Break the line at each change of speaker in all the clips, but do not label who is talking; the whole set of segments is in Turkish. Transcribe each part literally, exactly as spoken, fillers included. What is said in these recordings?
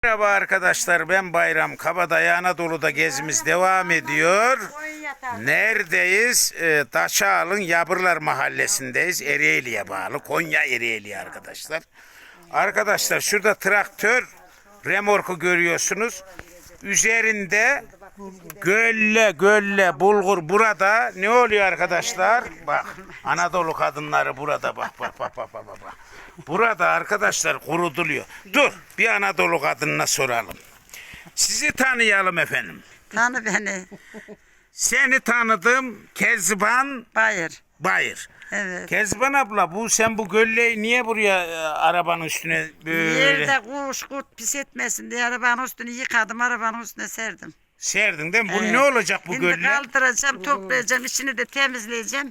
Merhaba arkadaşlar, ben Bayram Kabadayı. Anadolu'da gezimiz devam ediyor. Neredeyiz? Ee, Taşağal'ın Yabırlar Mahallesi'ndeyiz. Ereğli'ye bağlı. Konya Ereğli arkadaşlar. Arkadaşlar şurada traktör remorku görüyorsunuz. Üzerinde gölle gölle bulgur burada. Ne oluyor arkadaşlar? Bak Anadolu kadınları burada bak bak bak bak bak bak. Burada arkadaşlar kurutuluyor. Dur bir Anadolu kadınına soralım. Sizi tanıyalım efendim.
Tanı beni.
Seni tanıdım Kezban
Bayır.
Bayır.
Evet.
Kezban abla bu sen bu gölleyi niye buraya e, arabanın üstüne böyle
Yerde kuş kurt pis etmesin diye arabanın üstünü yıkadım, arabanın üstüne serdim.
serdin değil mi? Bu
Evet.
ne olacak bu
Şimdi
gölle?
kaldıracağım, toplayacağım, içini de temizleyeceğim.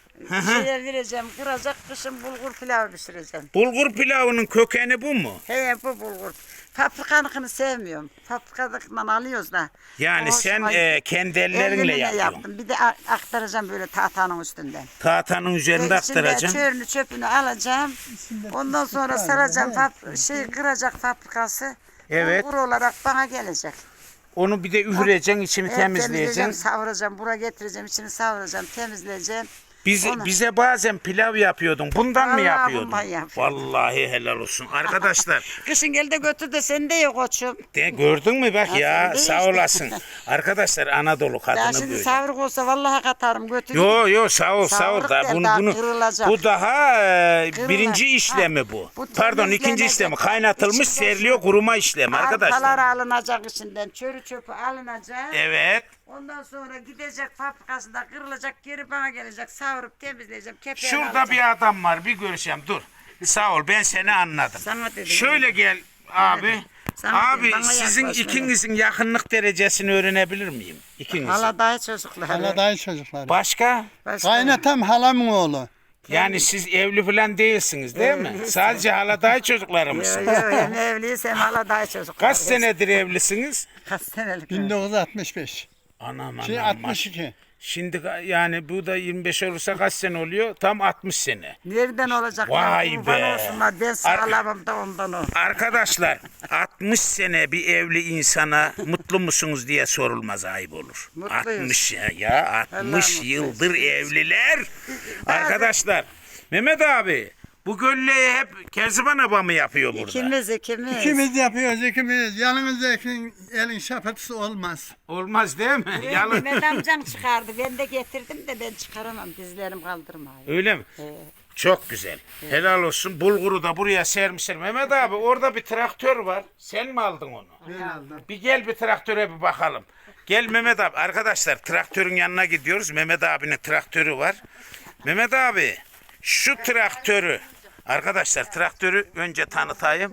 Şeye vereceğim, kıracak, kışın bulgur pilavı pişireceğim.
Bulgur pilavının kökeni bu mu?
He bu bulgur. Paprikanıkını sevmiyorum. Paprikanıkından alıyoruz da.
Yani
O
sen
hoşuma
e,
gitti.
kendi ellerinle
Elimle
yapıyorsun.
yaptım. Bir de a- aktaracağım böyle tahtanın üstünden.
Tahtanın üzerinde
İçinde
aktaracaksın.
çörünü çöpünü alacağım. Ondan sonra saracağım fab- şey kıracak fabrikası.
Evet.
Bulgur olarak bana gelecek.
Onu bir de üfleyeceksin, içini
Evet,
temizleyeceksin.
savuracağım, buraya getireceğim, içini savuracağım, temizleyeceğim.
Bize,
Onu-
bize bazen pilav yapıyordun. Bundan mı
Vallahi
yapıyordun?
bundan yapıyordum.
Vallahi helal olsun. Arkadaşlar
Kışın gel de götür de seni de yok koçum.
de, gördün mü bak
Ha,
ya
sen de
sağ
işte.
olasın. Arkadaşlar Anadolu
Ya
kadını
şimdi
böyle.
savruk olsa vallahi katarım götür.
Yo yo sağ ol sağ ol.
Savruk
Da,
değil,
bunu,
daha
bunu,
kırılacak.
bu daha e,
Kırılacak.
birinci işlemi
Ha,
bu.
bu
Pardon ikinci
temizlenecek.
işlemi. Kaynatılmış
İçi
seriliyor kuruma işlemi
Arkalar
arkadaşlar.
alınacak içinden, çörü çöpü alınacak.
Evet.
Ondan sonra gidecek fabrikasında kırılacak, geri bana gelecek, savurup temizleyeceğim, kepeğini
Şurada
alacağım.
bir adam var bir görüşeceğim dur. Sağ ol ben seni anladım.
Sana dedim.
Şöyle gel abi.
Sana
Abi
dedim, bana
sizin
yaklaş böyle.
ikinizin yakınlık derecesini öğrenebilir miyim? İkinizin.
Hala daha çocuklar.
Hala dayı çocukları.
Başka?
Başka-
Kaynatam halamın oğlu.
Yani siz evli falan değilsiniz değil mi?
Evliyiz.
Sadece haladayı çocukları
Yo
mısınız?
yo hem evliyiz hem hala daha çocuklar.
Kaç senedir evlisiniz?
Kaç senelik?
bin dokuz yüz altmış beş.
Anam
Şey
anam.
altmış iki.
Şimdi ga- yani bu da yirmi beş olursa kaç sene oluyor? Tam altmış sene.
Nereden olacak?
Vay
ya? Kurban
be.
olsunlar. Ben sağlamım da ondan o.
Arkadaşlar altmış sene bir evli insana mutlu musunuz diye sorulmaz ayıp olur.
Mutluyuz.
altmış ya, ya altmış
mutluyuz.
yıldır evliler. Arkadaşlar Mehmet abi bu gölleyi hep Kezban abla mı yapıyor burada?
İkimiz ikimiz.
İkimiz yapıyoruz ikimiz. Yanımızdaki elin şapatısı olmaz.
Olmaz değil mi? Yalın.
Mehmet amcam çıkardı. Ben de getirdim de ben çıkaramam. Dizlerim kaldırmıyor.
Öyle mi? Çok güzel. Helal olsun. Bulguru da buraya sermişler. Mehmet abi orada bir traktör var. Sen mi aldın onu?
Ben aldım.
Bir gel bir traktöre bir bakalım. Gel Mehmet abi. Arkadaşlar traktörün yanına gidiyoruz. Mehmet abinin traktörü var. Mehmet abi şu traktörü arkadaşlar traktörü önce tanıtayım.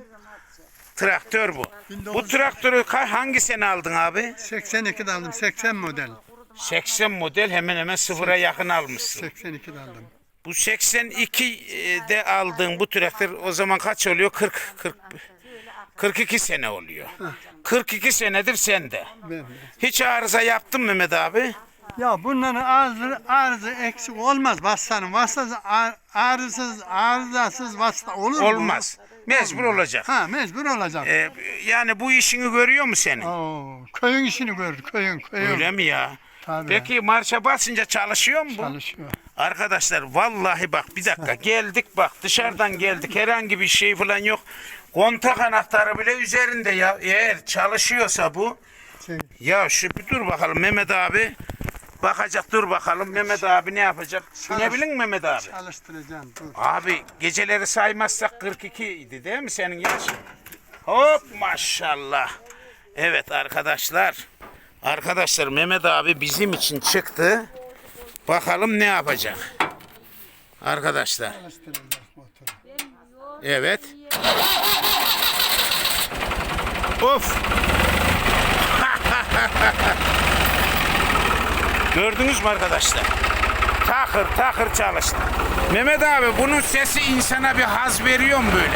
Traktör bu. Bu traktörü ka- hangi sene aldın abi?
seksen ikide aldım. seksen model.
seksen model hemen hemen sıfıra yakın almışsın.
seksen ikide aldım.
Bu seksen ikide aldığın bu traktör o zaman kaç oluyor? kırk, kırk, kırk iki sene oluyor. kırk iki senedir sende.
Ben-
Hiç arıza yaptın mı Mehmet abi?
Ya bunların arızı, arızı eksik olmaz vasıtanın. Vasıtası ar- arızsız, arızasız vasıta olur mu?
Olmaz. Mecbur olacak.
Ha mecbur olacak.
Ee, yani bu işini görüyor mu senin?
Oo, köyün işini görür, köyün, köyün.
Öyle mi ya?
Tabii.
Peki marşa basınca çalışıyor mu bu?
Çalışıyor.
Arkadaşlar vallahi bak bir dakika geldik bak dışarıdan geldik herhangi bir şey falan yok. Kontak anahtarı bile üzerinde ya. Eğer çalışıyorsa bu.
Şey,
Ya şu bir dur bakalım Mehmet abi. Bakacak dur bakalım Mehmet abi ne yapacak? Binebilir mi Mehmet abi?
çalıştıracağım. Dur.
Abi geceleri saymazsak kırk iki idi değil mi senin yaşın? Hop maşallah. Evet arkadaşlar. Arkadaşlar Mehmet abi bizim için çıktı. Bakalım ne yapacak? Arkadaşlar.
Çalıştıracak motoru.
Evet. Of. Gördünüz mü arkadaşlar? Takır takır çalıştı. Mehmet abi bunun sesi insana bir haz veriyor mu böyle?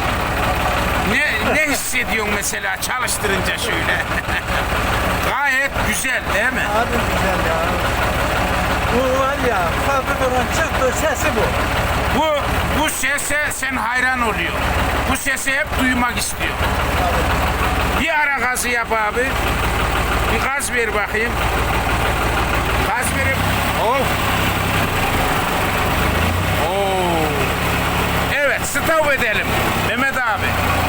Ne ne hissediyorsun mesela çalıştırınca şöyle? Gayet güzel değil mi?
Abi güzel ya. Bu var ya fabrikadan çıktı sesi bu.
Bu bu sese sen hayran oluyor. Bu sesi hep duymak istiyor. gazı yap abi. Bir gaz ver bakayım. Gaz verip. Oh. Oo. Evet, stop edelim. Mehmet abi.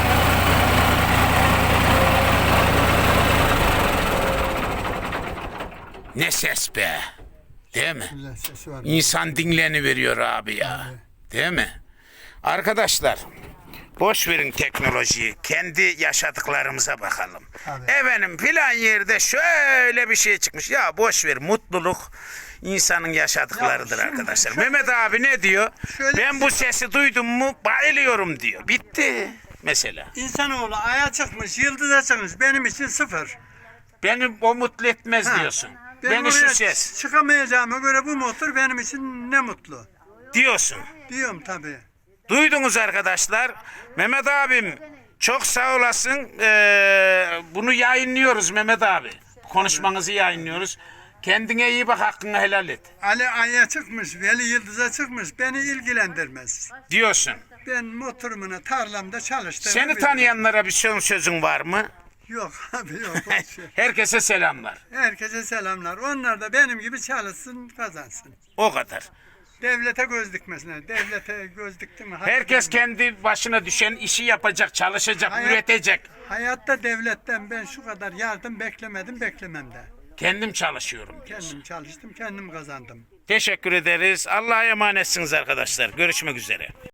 Ne ses be. Değil mi?
Güzel sesi var.
İnsan dinleni veriyor abi ya. Değil mi? Arkadaşlar, boş verin teknolojiyi. Kendi yaşadıklarımıza bakalım.
Tabii.
Efendim filan yerde şöyle bir şey çıkmış. Ya boş ver, mutluluk insanın yaşadıklarıdır
Ya şimdi
arkadaşlar.
şöyle-
Mehmet abi ne diyor?
Şöyle-
Ben bu sesi duydum mu bayılıyorum diyor. Bitti mesela.
İnsanoğlu aya çıkmış, yıldıza çıkmış. Benim için sıfır.
Beni o mutlu etmez
Ha,
diyorsun.
Ben
Beni şu
oraya
ses
çıkamayacağıma göre bu motor benim için ne mutlu.
diyorsun.
Diyorum tabii.
Duydunuz arkadaşlar. Mehmet abim çok sağ olasın. Ee, bunu yayınlıyoruz Mehmet abi. Konuşmanızı yayınlıyoruz. Kendine iyi bak, hakkını helal et.
Ali aya çıkmış, Veli yıldıza çıkmış. Beni ilgilendirmez.
Diyorsun.
Ben motorumuna tarlamda çalıştım.
Seni tanıyanlara bir son sözün var mı?
Yok abi yok. boş ver.
Herkese selamlar.
Herkese selamlar. Onlar da benim gibi çalışsın, kazansın.
O kadar.
Devlete göz dikmesine. Devlete göz dikti mi?
Herkes kendi başına düşen işi yapacak, çalışacak,
Hayat-
üretecek.
Hayatta devletten ben şu kadar yardım beklemedim, beklemem de.
Kendim çalışıyorum diyorsun.
Kendim çalıştım, kendim kazandım.
Teşekkür ederiz. Allah'a emanetsiniz arkadaşlar. Görüşmek üzere.